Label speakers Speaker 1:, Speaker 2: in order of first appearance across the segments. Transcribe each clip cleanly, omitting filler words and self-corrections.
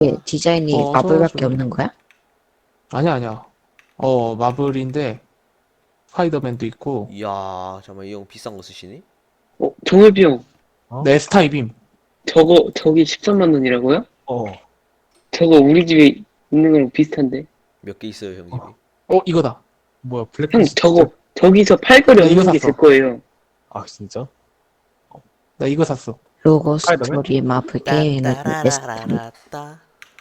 Speaker 1: 디자인이 마블밖에 없는 거야?
Speaker 2: 아니야, 아니야. 마블인데, 스파이더맨도 있고,
Speaker 3: 이야, 잠깐만, 이 형 비싼 거 쓰시니?
Speaker 4: 종엽이 형,
Speaker 5: 어?
Speaker 2: 네, 스타이빔.
Speaker 4: 저기 13만 원이라고요?
Speaker 5: 어.
Speaker 4: 저거 우리 집에 있는 거랑 비슷한데.
Speaker 3: 몇 개 있어요, 형 집이?
Speaker 2: 이거다.
Speaker 5: 뭐야,
Speaker 4: 형,
Speaker 5: 블랙박스
Speaker 4: 저기서 팔걸이
Speaker 2: 나 이거
Speaker 4: 없는 게
Speaker 2: 샀어.
Speaker 4: 제 거예요.
Speaker 5: 아, 진짜?
Speaker 2: 나 이거 샀어.
Speaker 1: 로고
Speaker 5: 스파이더맨?
Speaker 1: 스토리 마블 게임은
Speaker 3: 따따라라라따.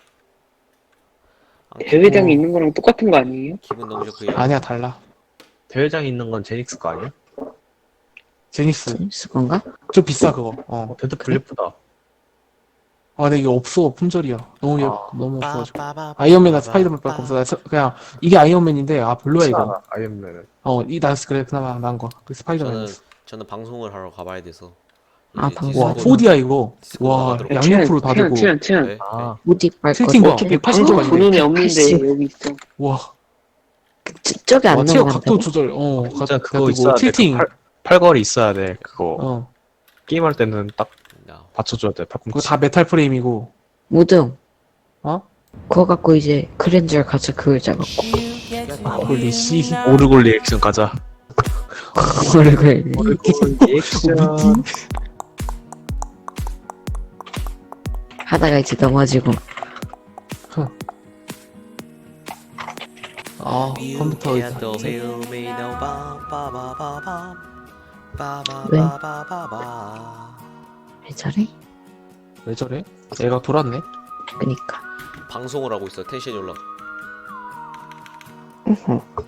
Speaker 4: 대회장에 있는 거랑 똑같은 거 아니에요?
Speaker 3: 기분 너무 좋고요.
Speaker 2: 아니야, 달라.
Speaker 5: 대회장에 있는 건 제닉스 거 아니야?
Speaker 2: 제닉스.
Speaker 1: 제닉스 건가?
Speaker 2: 좀 비싸, 그거.
Speaker 5: 데드풀 예쁘다.
Speaker 2: 근데 이게 없어. 품절이야. 너무,
Speaker 5: 아.
Speaker 2: 너무 없어가지고. 아이언맨이나 스파이더맨 밖에 없어. 그냥, 이게 아이언맨인데, 별로야, 이거.
Speaker 5: 아이언맨은.
Speaker 2: 그래, 그나마 나은 거. 그 스파이더맨.
Speaker 3: 저는 방송을 하러 가봐야 돼서.
Speaker 1: 아,
Speaker 3: 이제
Speaker 1: 방송.
Speaker 2: 와,
Speaker 3: 디스코드-
Speaker 2: 4D야, 이거.
Speaker 3: 디스코드
Speaker 2: 와,
Speaker 3: 나가도록
Speaker 2: 양옆으로 다 되고.
Speaker 4: 치안.
Speaker 3: 네,
Speaker 5: 아,
Speaker 1: 어디
Speaker 2: 틸팅
Speaker 1: 말거리
Speaker 2: 봐.
Speaker 4: 어차피
Speaker 2: 180
Speaker 4: 방송
Speaker 2: 도
Speaker 4: 본원에 없는데
Speaker 1: 180.
Speaker 4: 여기 있어.
Speaker 2: 와,
Speaker 1: 저기 안
Speaker 2: 티어 각도
Speaker 1: 넘어간다고?
Speaker 2: 조절,
Speaker 5: 진짜 그거
Speaker 2: 그리고
Speaker 5: 있어야 돼.
Speaker 2: 틸팅.
Speaker 5: 팔걸이 있어야 돼. 그거.
Speaker 2: 어,
Speaker 5: 게임할 때는 딱
Speaker 3: 야,
Speaker 5: 받쳐줘야 돼.
Speaker 2: 그거
Speaker 5: 팔꿈치.
Speaker 2: 다 메탈 프레임이고.
Speaker 1: 무등
Speaker 2: 어?
Speaker 1: 그거 갖고 이제 그랜저 가서 그걸 잡았고
Speaker 2: 홀리 씨.
Speaker 5: 오르골 리액션 가자.
Speaker 1: 그걸
Speaker 5: 오르골 리액션.
Speaker 1: 하다가 이제 넘어지고
Speaker 2: 컴퓨터
Speaker 3: You
Speaker 2: 있다.
Speaker 3: can't feel me now, ba, ba, ba, ba, ba. Ba, ba,
Speaker 1: 왜?
Speaker 3: ba, ba, ba, ba.
Speaker 1: 왜 저래?
Speaker 2: 왜 저래? 얘가 돌았네.
Speaker 1: 그니까
Speaker 3: 방송을 하고 있어. 텐션이 올라.